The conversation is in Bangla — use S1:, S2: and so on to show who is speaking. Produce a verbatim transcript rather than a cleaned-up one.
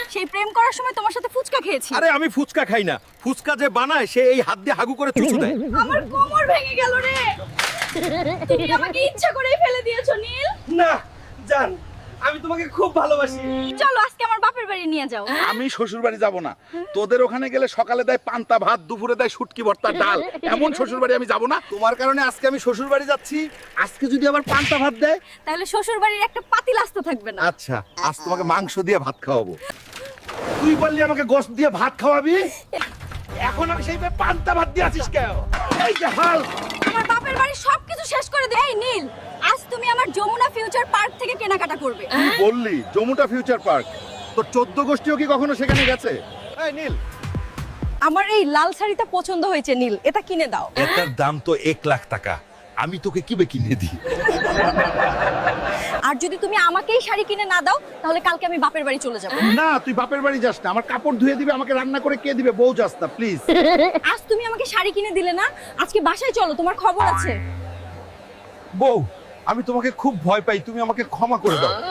S1: সেই প্রেম করার সময় তোমার সাথে ফুচকা খেয়েছি।
S2: আরে আমি ফুচকা খাই না, ফুচকা যে বানায় সে এই হাত দিয়ে হাগু করে চুচু দেয়।
S1: আমার কোমর ভেঙে গেল রে। তুমি আমাকে ইচ্ছা করেই ফেলে দিয়েছো নীল।
S2: না জান, আমি তোমাকে খুব ভালোবাসি।
S1: চলো আজকে আমার বাপের বাড়ি নিয়ে যাও।
S3: আমি শ্বশুর বাড়ি যাবো না। তোদের ওখানে গেলে সকালে দেয় পান্তা ভাত, দুপুরে দেয় শুটকি ভর্তা ডাল, এমন শ্বশুর বাড়ি আমি যাবো না।
S2: তোমার কারণে আজকে আমি শ্বশুর বাড়ি যাচ্ছি, আজকে যদি আবার পান্তা ভাত দেয়।
S1: তাহলে শ্বশুর বাড়ির একটা পাতিল আস্ত থাকবে না।
S2: আচ্ছা, আজ তোমাকে মাংস দিয়ে ভাত খাওয়াবো। তুই বললি আমাকে গোশত দিয়ে ভাত খাওয়াবি, এখন আমি সেই পান্তা ভাত দিয়ে আছিস কেন? এই যে হাল,
S1: আমার বাপের বাড়ি সবকিছু শেষ করে দে। এই নীল, আজ তুমি আমার যমুনা ফিউচার পার্ক থেকে কেনাকাটা করবে।
S3: বললি জমুটা ফিউচার পার্ক, তোর চোদ্দ গোষ্ঠীও কি কখনো সেখানে গেছে?
S2: এই নীল,
S1: আমার এই লাল শাড়িটা পছন্দ হয়েছে নীল, এটা কিনে দাও।
S2: এটার দাম তো এক লাখ টাকা, আমি তোকে কিবে কিনে দিই?
S1: আর যদি তুমি আমাকেই শাড়ি কিনে না দাও তাহলে কালকে আমি বাপের বাড়ি চলে যাব।
S3: না, তুই বাপের বাড়ি যাস না। আমার কাপড় ধুয়ে দিবে, আমাকে রান্না করে কে দিবে? বউ যাস না প্লিজ।
S1: আজ তুমি আমাকে শাড়ি কিনে দিলে না, আজকে বাসায় চলো, তোমার খবর আছে।
S2: বউ, আমি তোমাকে খুব ভয় পাই, তুমি আমাকে ক্ষমা করে দাও।